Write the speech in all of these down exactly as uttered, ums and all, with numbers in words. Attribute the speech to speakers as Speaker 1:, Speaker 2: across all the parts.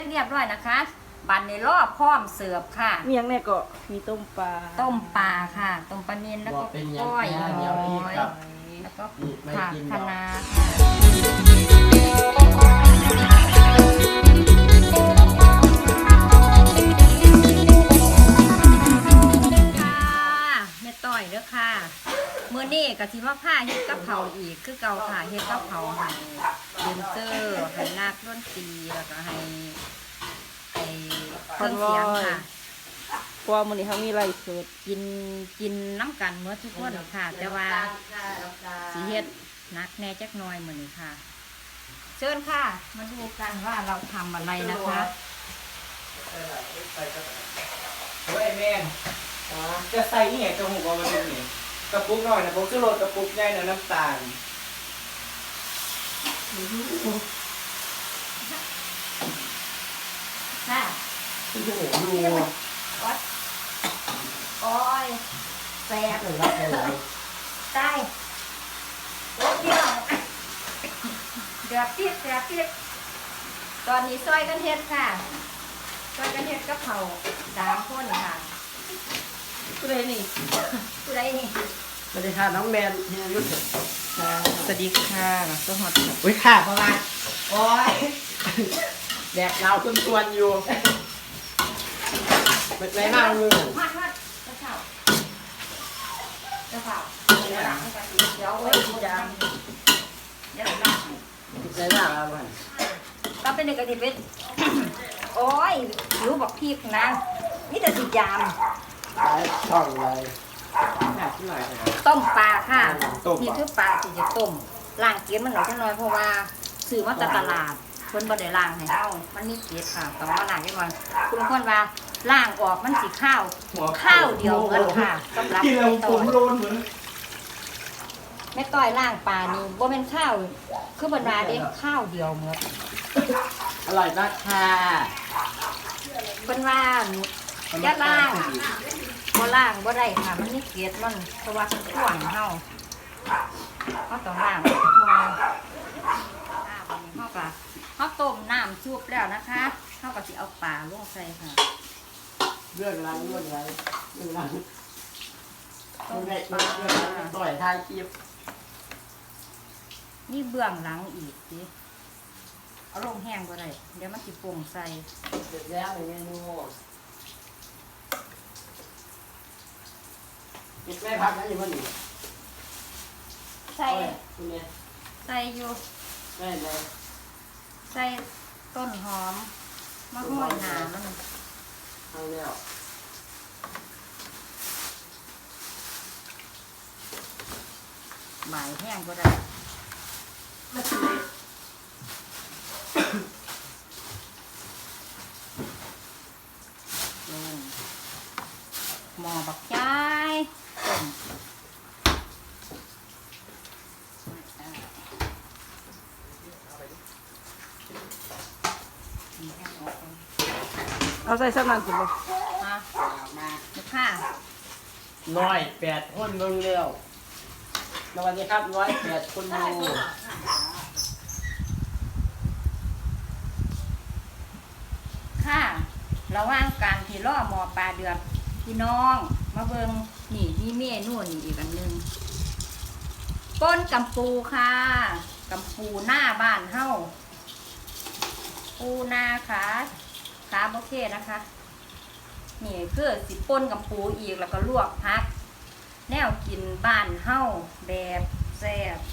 Speaker 1: เรียบร้อยนะคะบันในรอบพร้อมเสิร์ฟค่ะ
Speaker 2: มีอย่างแน่ก็มีต้มปลา
Speaker 1: ต้มปลาค่ะต้มปลาเนียนแล้วก็ก้อยหอยแล้วก็ผักคะน้าค่ะแม่ต้อยเด้อค่ะมื้อนี้ก็สิมาพาเฮ็ดกับเผาอีกคือเก่าค่ะเฮ็ดกับเผาให้เดนเซอร์ให้นักดนตรีแล้วก็ให้เครื่องเสียงค่ะ
Speaker 2: เพราะว่ามื้อนี้เขามีไลฟ์สด
Speaker 1: กินกินน้ำกันเมื่อทุกคนค่ะแต่ว่าสีเฮ็ดนักแน่จักหน่อยเหมือนค่ะเชิญค่ะมาดูกันว่าเราทำอะไรนะคะ
Speaker 3: เฮ้ยแม่จะใส่นี่ไงกระหุกเอามาดูนี่กระปุกหน่อยนะผมจะโรยกระปุกใหญ่นะน้ำตาล
Speaker 1: ค่ะ
Speaker 3: โอ้โหดู
Speaker 1: โอ้ยแซ่บ
Speaker 3: เลยรับเลย
Speaker 1: ใช่โอ้เดียวเดือดเปียกเดือดเปียกตอนนี้ซอยกันเฮ็ดค่ะซอยกันเฮ็ดกับเผาสามคนค่ะ
Speaker 2: ผู้ใดนี่
Speaker 1: ผู้ใดนี่
Speaker 3: สวัสดีค่ะน้องแมนเฮียยุทธ
Speaker 2: สวัสดีค่ะสวัสดี
Speaker 3: อุ้ยค่ะประมาณโอ้ยแดกเราจนชวนอยู่เป็นไรบ้างมือ
Speaker 1: มัดมัดกระเช้าเจ้าเผาเดี๋ยวหลังให้กระติเดี๋ยวไว้ดีจังเดี๋ยวหลัง
Speaker 3: เป็นไรบ้างเราบ้าง
Speaker 1: ก็เป็นในกระติเป็นโอ้ยรู้บอกพี่นะนี่แต่สิยาม
Speaker 3: ช่องเลย
Speaker 1: ต้มปลาค่ะนี่คือปลาที่จะต้มล้างเกล็ดมันหน่อยจังหน่อยเพราะว่าซื้อมาจากตลาดเพิ่นบ่ได้ล้างให้เฮามันมีเกล็ดค่ะต้องมาล้างให้มันคุณบางคนว่าล้างออกมันสิข้าวข้าวเดียวเหมือนค่ะสำหรับแม่ต้อยแม่ต้อยล้างปลานี่บ่แม่นข้าวคือเพิ่นว่าเด้ข้าวเดียวเหมือน
Speaker 3: อร่อยมากค่ะ
Speaker 1: เพิ่นว่าอย่าล้างบ่ล้างบ่ได้ค่ะมันมีเกล็ดมันเพราะว่ามันท่วงเฮาเฮาต้องล้างเพราะว่าเฮาก็เฮาต้มน้ำซุปแล้วนะคะเฮาก็สิเอาปลาลงใส่ค่ะ
Speaker 3: เรื่องอะไรเรื่องอะไรเรื่องอะไรต้มปลาต่อยทายคลิป
Speaker 1: นี่เบื้องหลังอีกสิเอาลงแห้งบ่ได้เดี๋ยวมันสิป่งใส่
Speaker 3: เสร็จแล้วเมนูปิดแม่พักนะอยู่บ้านนี่
Speaker 1: ใส่
Speaker 3: คุณเนี่ย
Speaker 1: ใส่อยู่
Speaker 3: ใส่เลย
Speaker 1: ใส่ต้นหอมมะม่วงหนามัน
Speaker 3: เอาแล้ว
Speaker 1: หมายแห้งก็ได้ลงหม้อบักย้ายต้ม
Speaker 2: เอาใส่สักนานสิบ่
Speaker 1: มามาค่ะ
Speaker 3: น้อยแปดคนลงเร็วสวัสดีครับร้อยแปดคนดู
Speaker 1: ค่ะระหว่างการที่ล่อหมอปลาเดือดพี่น้องมาเบิงนี่มีเมนูนี่อีกอันหนึ่งป้นกำปูค่ะกำปูหน้าบ้านเฮ้าปูนาค่ะขาโอเคนะคะนี่คือสิป่นกับปูอีกแล้วก็ลวกพักแนวกินบ้านเฮ้าแบบแซ่บ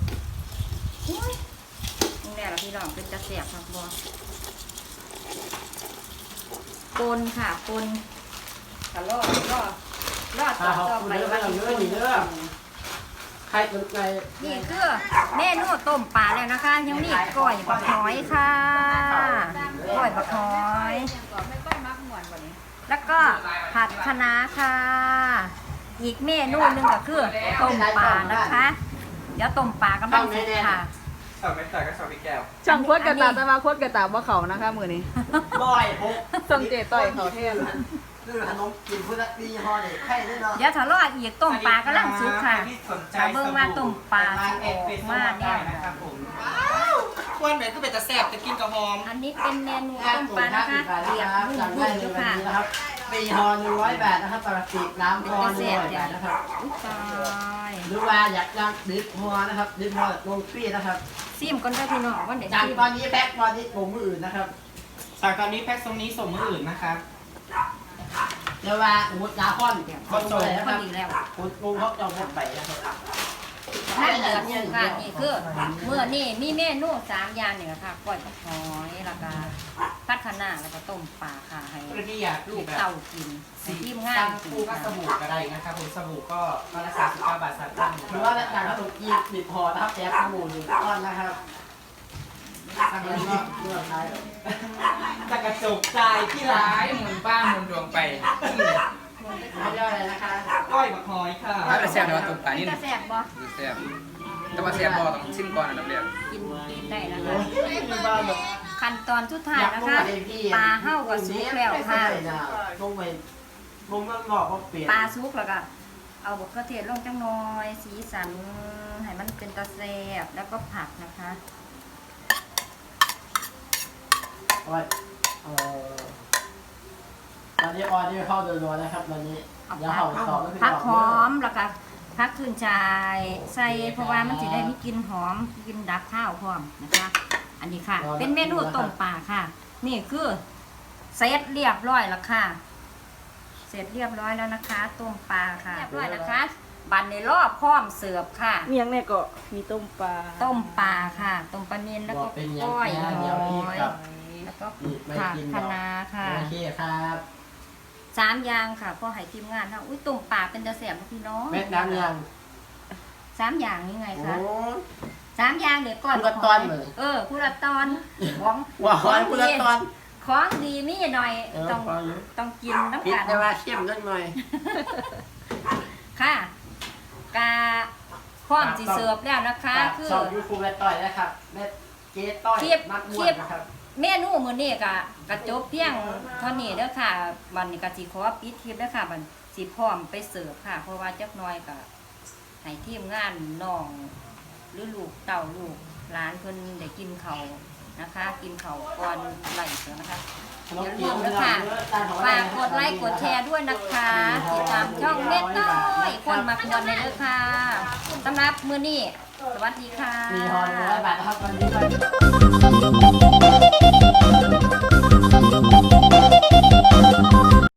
Speaker 1: นี่แหละพี่น้องเป็นจะแซ่บครับบอปนค่ะปนถ้ารอดรอดรอดต่อต่อไปว่าจะปน
Speaker 3: ใครสนใจ
Speaker 1: นี่คือเมนูต้มปลาแล้วนะคะยังมีก้อยบักหอยค่ะก้อยบักหอยแล้วก็ผัดคะน้าค่ะอีกเมนูหนึ่งก็คือต้มปลานะคะเดี๋ยวต้มปลากำลังสุกค่ะ
Speaker 3: สาวไม่ต่อยก็สาวพี่แก้ว
Speaker 2: ช่างโคตรกระตาจะมาโคตรกระตาว่าเขานะคะมือนี้
Speaker 3: บ่อยพก
Speaker 2: ส่งเจต่อยเขาเท่เลย
Speaker 3: คือขนมกินพุทธปีห่อเด็กไข่ด้วยเนาะ
Speaker 1: เดี๋ยวถ้ารอดอีกต้มปลากำลังสุกค่ะจะเบิ่งว่าต้มปลาสุกออกมาเนี่ย
Speaker 3: นะครับผมควรแบบก็เป็นตะแซ่บจะกินกับหอม
Speaker 1: อันนี้เป็นเมนู
Speaker 4: แค่
Speaker 1: ต้ม
Speaker 4: ถุ
Speaker 1: ปลาง
Speaker 4: ห้า
Speaker 1: นะ
Speaker 4: สิ
Speaker 1: คะ
Speaker 4: บบาท
Speaker 1: เรีย
Speaker 4: นะ
Speaker 1: บ
Speaker 4: ครับ
Speaker 1: รุ่
Speaker 4: สั่ง
Speaker 1: น
Speaker 4: ได้
Speaker 1: รุ่น
Speaker 4: ใน
Speaker 1: ด้วย
Speaker 4: วัน
Speaker 1: ค่ะ
Speaker 4: นี้นะครับปีฮอหนึ่งร้อยบาทนะครับปกติน้ำฮอหนึ่งร้อยบาทนะครับ
Speaker 1: อุ๊ยตาย
Speaker 4: หรือว่าอยากจะดิฟฮอนะครับดิฟฮอลงฟรีนะครับ
Speaker 1: ซิมก่อนได้อพี่น้องว่าเดี๋ยว
Speaker 4: จาก
Speaker 1: ซิม
Speaker 4: ตอนนี้แพ็คตอนนี้กลุ่มมืออื่นนะครับ
Speaker 3: สั่งตอนนี้แพ็คทรงนี้ส่งมืออื่นนะครับ
Speaker 4: เดี๋ยวว่าอุดยาค่อนคนส่งนะ
Speaker 1: พ
Speaker 4: ค
Speaker 1: อ
Speaker 4: รับ
Speaker 1: ดีแล้ว
Speaker 4: อุดงงเขาจะหมดไปนะครับ
Speaker 1: ถ้าเดือดอยู่ค่ะนี่คือเมื่อนี่มีเมนูสามอย่างนี่แหละค่ะก้อยกับหอยแล้วก็พัดคะน้าแล้วก็ต้มปลาค่ะให้
Speaker 3: เพื่อที่อยาก
Speaker 1: ลู
Speaker 3: ลู
Speaker 1: ก
Speaker 3: กแบบ
Speaker 1: เต่ากินให้
Speaker 3: สี
Speaker 1: ทีม
Speaker 3: งาง
Speaker 1: าน
Speaker 3: น
Speaker 1: กิน
Speaker 3: คู่ก็
Speaker 1: ค่ะ
Speaker 3: สบู่ก็ได้นะครับผมสบู่ก็ก็ละสามสิบเก้าบาทสามตั้ง
Speaker 4: หรือว่าอยากขนมจีนดิบฮอนะครับแจกสบู่หนึ่งก้อนนะครับสั่งแล้วก็เลือกใช้
Speaker 3: จะกระจกใจที่ร้ายหมุนบ้านหมุนดวงไป
Speaker 4: เขาเรียกอะไรนะคะ
Speaker 3: ก้อยบักหอยค่ะ
Speaker 5: ถ้าเป็นแซ่บแต่ว่าตุ่มปลานี่
Speaker 1: จะแซ่บบ่
Speaker 5: คือแซ่บแต่ว่าแซ่บบ่ต้องชิมก่อนอันดับแรก
Speaker 1: กินได้นะคะ
Speaker 4: มีบ้านแบบ
Speaker 1: ขั้นตอนสุดท้าย
Speaker 4: อยาก
Speaker 1: นะ
Speaker 4: ลง
Speaker 1: คะ
Speaker 4: ไปพี่
Speaker 1: ปลาเห่ากับสุกแล้วค่ะ
Speaker 4: ลงไปลงมันบอกว่าเปลี่ยน
Speaker 1: ปลาสุกแล้วก็เอาบกกระเทียมลงจังน้อย สีสันให้มันเป็นตะแซ่บแล้วก็ผักนะคะ
Speaker 4: โอ้ยเอ่อตอนนี้ออนนี่เข้าโดยรวมนะครับตอนนี้
Speaker 1: เอา
Speaker 4: เดี๋ยว
Speaker 1: ผั
Speaker 4: เขา
Speaker 1: ก
Speaker 4: สอบแล้วพี่
Speaker 1: ผัก
Speaker 4: บอก
Speaker 1: หอมแล้วก็ผักขึ้นชายใส่เพราะว่ามันจะได้มีกลิ่นหอมกลิ่นดับข้าวพร้อมนะคะ อันนี้ค่ะ เป็นเมนูต้มปลาค่ะ นี่คือเสร็จเรียบร้อยแล้วค่ะ เสร็จเรียบร้อยแล้วนะคะต้มปลาค่ะเรียบร้อยนะคะ บันในรอบพร้อมเสิร์ฟค่ะ
Speaker 2: เมียงเนี่ยก็มีต้มปลา
Speaker 1: ต้มปลาค่ะต้มปลาเนียนแล้ว
Speaker 4: บ
Speaker 1: ก็
Speaker 4: อกเป็นอย่าง
Speaker 1: ก้อย
Speaker 4: นี้
Speaker 1: ห
Speaker 4: เดี๋ยวพี่
Speaker 1: อย
Speaker 4: กับ
Speaker 1: แล้วก็
Speaker 4: นี่ไม่
Speaker 1: ผัก
Speaker 4: กิน
Speaker 1: คะน้าค่ะ
Speaker 4: โอเคครับ
Speaker 1: สามอย่างค่ะพอให้ทีมงานค่ะอุ้ยต้มปลาเป็นตะแสบพี่น้อง
Speaker 4: แม่น้ำยัง
Speaker 1: สามอย่างนี่ไง
Speaker 4: โอ้
Speaker 1: คะสามอย่างเดี๋ยวก่อน
Speaker 4: ผู้ละตอนเลย
Speaker 1: เออผู้ละตอนของ
Speaker 4: ว่าหอยพุละตอน
Speaker 1: ของดีมีหน่อย
Speaker 4: เออ
Speaker 1: ต้อง
Speaker 4: พออยู่
Speaker 1: ต้องกินน้ำ
Speaker 4: พิษ
Speaker 1: กัน
Speaker 4: แต่ว่าเข้มนิดหน่อย
Speaker 1: ค่ะกาพร้อมจีเสิร์ฟแล้วนะคะ คือ
Speaker 4: สอบยูทูบแม่ต้อยนะครับแม่เจ๊ต้อย
Speaker 1: คลิป
Speaker 4: นักม
Speaker 1: คว ลิ
Speaker 4: ด
Speaker 1: ป
Speaker 4: นะครับ
Speaker 1: เมนูมื้อนี้ก็กระจบเพียงเท่านี้เด้อค่ะวันนี้ก็สิขอปิดคลิปเด้อค่ะบัดสิพร้อมไปเสิร์ฟค่ะ เพราะว่าจักหน่อยก็ให้ทีมงานน้องหรือลูกเต่าลูกหลานเพิ่นได้กินข้าวนะคะ กินข้าวก่อนไล่เสือนะคะ อย่าลืมนะคะฝากกดไลค์กดแชร์ด้วยนะคะติดตามช่องเม็ดน้อยคนมากวนในเด้อค่ะสำหรับมื้อนี้สวัสดีค่ะ
Speaker 4: มีฮอนร้อยบาทนะครับวันนี้